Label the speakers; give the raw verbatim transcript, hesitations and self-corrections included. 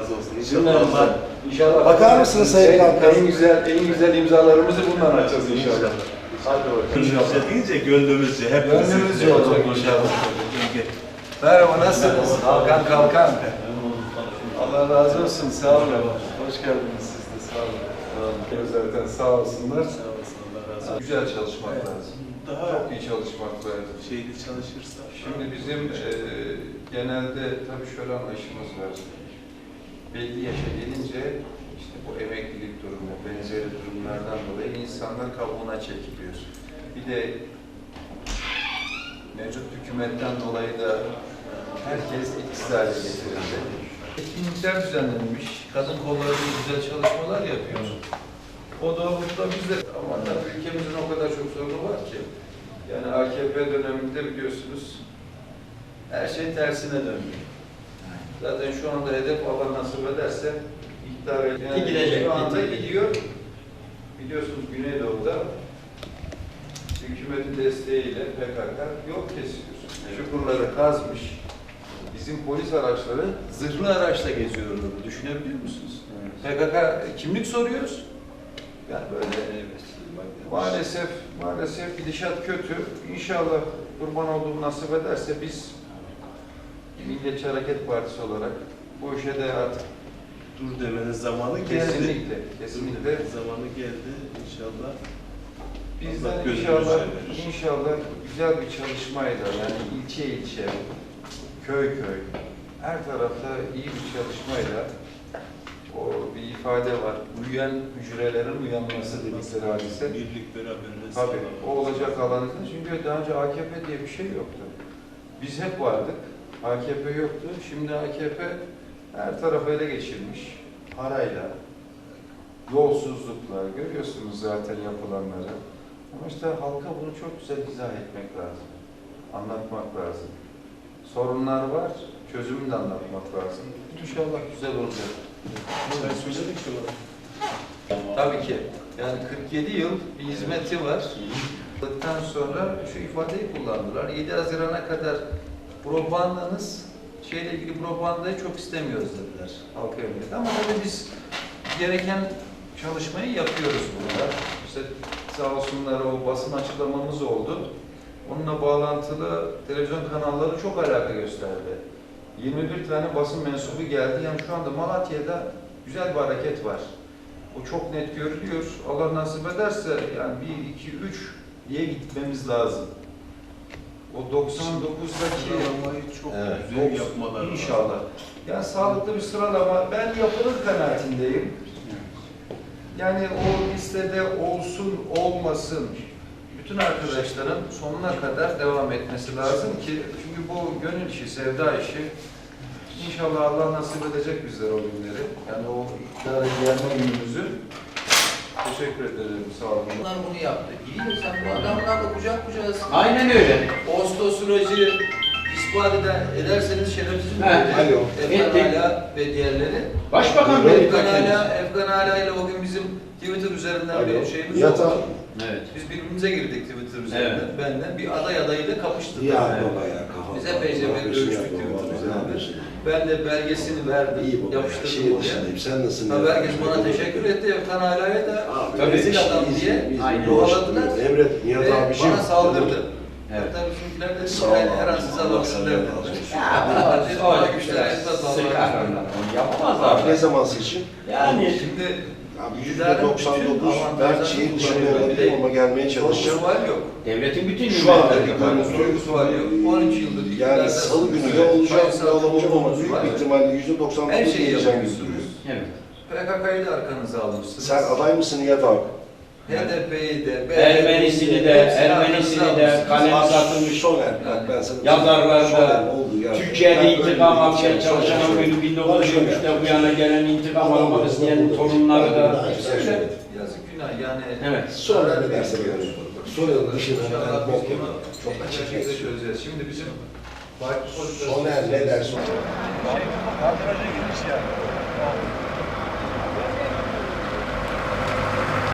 Speaker 1: razı olsun. İnşallah.
Speaker 2: İnşallah.
Speaker 3: Bakar mısınız Sayın Kalkan?
Speaker 2: En güzel, en güzel imzalarımızı bundan açacağız inşallah. Hadi bakalım.
Speaker 1: Gönlümüzce deyince gönlümüzce hep
Speaker 2: Gönlümüzce olacak inşallah. Merhaba, nasılsınız? Kalkan Kalkan. Allah razı olsun, sağ olun. Hoş geldiniz siz de, sağ olun. Zaten sağ olsunlar.
Speaker 1: Sağ olsun, Allah razı olsun.
Speaker 2: Güzel çalışmak
Speaker 1: Evet.
Speaker 2: lazım.
Speaker 1: Daha
Speaker 2: Çok iyi çalışmak lazım.
Speaker 1: şeyli çalışırsa.
Speaker 2: Şimdi bizim e, genelde tabii şöyle anlayışımız var. Belli yaşa gelince işte bu emeklilik durumu, benzeri durumlardan dolayı insanlar kabuğuna çekiliyor. Bir de mevcut hükümetten dolayı da herkes etkisiz hale getirildi. Etkinlikler düzenlenmiş, kadın kolları güzel çalışmalar yapıyor. O doğrultuda biz de, ama tabii ülkemizin o kadar çok sorunu var ki. Yani A K P döneminde biliyorsunuz her şey tersine döndü. Zaten şu anda hedef Allah nasip ederse iktidara yani
Speaker 4: gidecek,
Speaker 2: şu anda
Speaker 4: gidecek.
Speaker 2: gidiyor. Biliyorsunuz Güneydoğu'da hükümetin desteğiyle P K K yol kesiyor. Çukurları kazmış. Bizim polis araçları zırhlı araçla geziyorlar. Düşünebiliyor musunuz? P K K kimlik soruyoruz. Yani böyle maalesef maalesef gidişat kötü. İnşallah kurban olduğum nasip ederse biz Milliyetçi Hareket Partisi olarak bu işe de artık
Speaker 1: Dur demenin zamanı geldi.
Speaker 2: kesinlikle kesinlikle
Speaker 1: Zamanı geldi inşallah.
Speaker 2: bizden
Speaker 1: Allah gönlünüzce
Speaker 2: inşallah
Speaker 1: verir.
Speaker 2: inşallah güzel bir çalışmayla yani ilçe ilçe, köy köy her tarafta iyi bir çalışmayla o bir ifade var. Uyuyan hücrelerin uyanması dedikleri hadise.
Speaker 1: Birlik beraberlik.
Speaker 2: Tabii o olacak alanında. Çünkü daha önce A K P diye bir şey yoktu. Biz hep vardık. A K P yoktu. Şimdi A K P her tarafı ele geçirmiş. Parayla, yolsuzlukla, görüyorsunuz zaten yapılanları. Ama işte halka bunu çok güzel izah etmek lazım. Anlatmak lazım. Sorunlar var, çözümünü de anlatmak lazım. İnşallah güzel olacak.
Speaker 1: Ben söyledik şu an.
Speaker 2: Tabii ki. Yani kırk yedi yıl bir hizmeti var. Ondan sonra şu ifadeyi kullandılar. yedi Haziran'a kadar propagandanız şeyle ilgili propagandayı çok istemiyoruz dediler halka yönelik. Ama tabii biz gereken çalışmayı yapıyoruz burada. İşte sağ olsunlar o basın açıklamamız oldu. Onunla bağlantılı televizyon kanalları çok alaka gösterdi. yirmi bir tane basın mensubu geldi. Yani şu anda Malatya'da güzel bir hareket var. O çok net görülüyor. Allah nasip ederse yani bir, iki, üç diye gitmemiz lazım. O doksan dokuzdaki
Speaker 1: Sıralamayı çok
Speaker 3: Evet.
Speaker 1: güzel yapmalar lazım.
Speaker 2: İnşallah. Yani sağlıklı bir sıralama. Ben yapılır kanaatindeyim. Yani o listede olsun, olmasın. Bütün arkadaşların sonuna kadar devam etmesi lazım ki çünkü bu gönül işi, sevda işi. İnşallah Allah nasip edecek bizlere o günleri. Yani o iktidara gelme günümüzü. Teşekkür ederim. Sağ olun.
Speaker 4: Onlar bunu yaptı. İyi de sen bu adamlarla kucak kucağısın.
Speaker 5: Aynen öyle.
Speaker 4: Oslo süreci ispat eder, ederseniz şerefsiz mi?
Speaker 5: He,
Speaker 3: alo.
Speaker 4: Efkan
Speaker 5: Etti.
Speaker 4: Ala ve diğerleri.
Speaker 5: Başbakan Bey
Speaker 4: Efkan
Speaker 5: kendisi.
Speaker 4: Ala, Efkan Ala ile o gün bizim Twitter üzerinden bir şeyimiz
Speaker 3: Yatağı.
Speaker 4: oldu.
Speaker 5: Evet.
Speaker 4: Biz birbirimize girdik Twitter üzerinden.
Speaker 5: Evet.
Speaker 4: Benden bir aday adayıyla kapıştık.
Speaker 3: Ya
Speaker 5: Evet.
Speaker 3: baba ya kafam.
Speaker 4: Biz epeyce bir görüştük Twitter üzerinden. Ben de belgesini verdim,
Speaker 3: İyi baba ya.
Speaker 4: yapıştırdım
Speaker 3: Şehir
Speaker 4: oraya.
Speaker 3: dışındayım. Sen nasılsın?
Speaker 4: Tabii herkes bana teşekkür etti. Efkan Ala'ya da
Speaker 3: Abi,
Speaker 4: rezil
Speaker 3: biz-
Speaker 4: adam
Speaker 3: biz-
Speaker 4: diye
Speaker 3: biz-
Speaker 5: Aynen.
Speaker 4: kovaladılar.
Speaker 3: Emret Nihat
Speaker 4: Ve
Speaker 3: abiciğim.
Speaker 4: bana saldırdı.
Speaker 5: Evet.
Speaker 4: Hatta bizimkiler de
Speaker 3: Sağ ol
Speaker 4: dedi, her an
Speaker 3: abi.
Speaker 4: size
Speaker 3: Allah
Speaker 4: alabilirler
Speaker 3: senden
Speaker 4: dediler.
Speaker 3: razı olsun.
Speaker 4: Ya,
Speaker 5: O
Speaker 4: bana güçler, esas
Speaker 5: sıkar
Speaker 4: Allah'ın
Speaker 5: onlar. Onu yapamazlar.
Speaker 3: Abi ne zaman seçim?
Speaker 5: Yani
Speaker 4: Şimdi
Speaker 3: Abi yüzde
Speaker 4: iktidarın
Speaker 3: doksan
Speaker 4: bütün
Speaker 3: dokuz ben
Speaker 4: avantajlarını
Speaker 3: şehir dışında
Speaker 4: kullanıyor.
Speaker 3: öğrendim ama gelmeye
Speaker 4: Çok
Speaker 3: çalışacağım.
Speaker 4: sual yok.
Speaker 5: devletin bütün
Speaker 3: Şu anda
Speaker 5: hizmetleri
Speaker 3: bir
Speaker 5: var.
Speaker 4: Sorgusu var yok. on üç yıldır
Speaker 3: Yani
Speaker 4: iktidarda
Speaker 3: salı günü de
Speaker 4: sayısal
Speaker 3: olacak, ne olamayacak ama
Speaker 4: çoğunluğumuz
Speaker 3: büyük
Speaker 4: var.
Speaker 3: bir ihtimalle yüzde doksan
Speaker 4: Her
Speaker 3: dokuz
Speaker 4: şeyi
Speaker 3: diyeceğim gibi
Speaker 4: yapıyorsunuz.
Speaker 3: duruyor.
Speaker 5: Evet.
Speaker 4: P K K'yı da arkanıza almışsınız.
Speaker 3: Sen aday mısın Nihat abi?
Speaker 4: H D P'yi de, B D P'yi de,
Speaker 5: Ermenisini de,
Speaker 4: hepsini
Speaker 5: Ermenisini
Speaker 4: arkanıza
Speaker 5: de,
Speaker 4: almışsınız.
Speaker 5: kalem
Speaker 3: Abi,
Speaker 5: satılmış.
Speaker 3: Soner, bak ben sana
Speaker 5: Yazarlar da,
Speaker 3: Soner oldu yani.
Speaker 5: Türkiye'de
Speaker 3: Ben
Speaker 5: intikam
Speaker 3: öyle
Speaker 5: almaya
Speaker 3: bir
Speaker 5: çalışan o gün bin dokuz yüz yirmide bu yana gelen intikam
Speaker 3: Tamam,
Speaker 5: almak isteyen
Speaker 3: oldu.
Speaker 5: torunları da.
Speaker 4: Öyle, yazık günah yani.
Speaker 5: Evet.
Speaker 3: Soner ne derse böyle. Soner'ın dışında
Speaker 4: İnşallah
Speaker 3: ben
Speaker 4: biz
Speaker 3: bok
Speaker 4: bunu
Speaker 3: yemem. Çok
Speaker 4: çok
Speaker 3: açık
Speaker 4: şekilde
Speaker 3: net.
Speaker 4: çözeceğiz. Şimdi bizim parti politikası...
Speaker 3: Soner ne derse.
Speaker 2: Kadraja girmiş yani.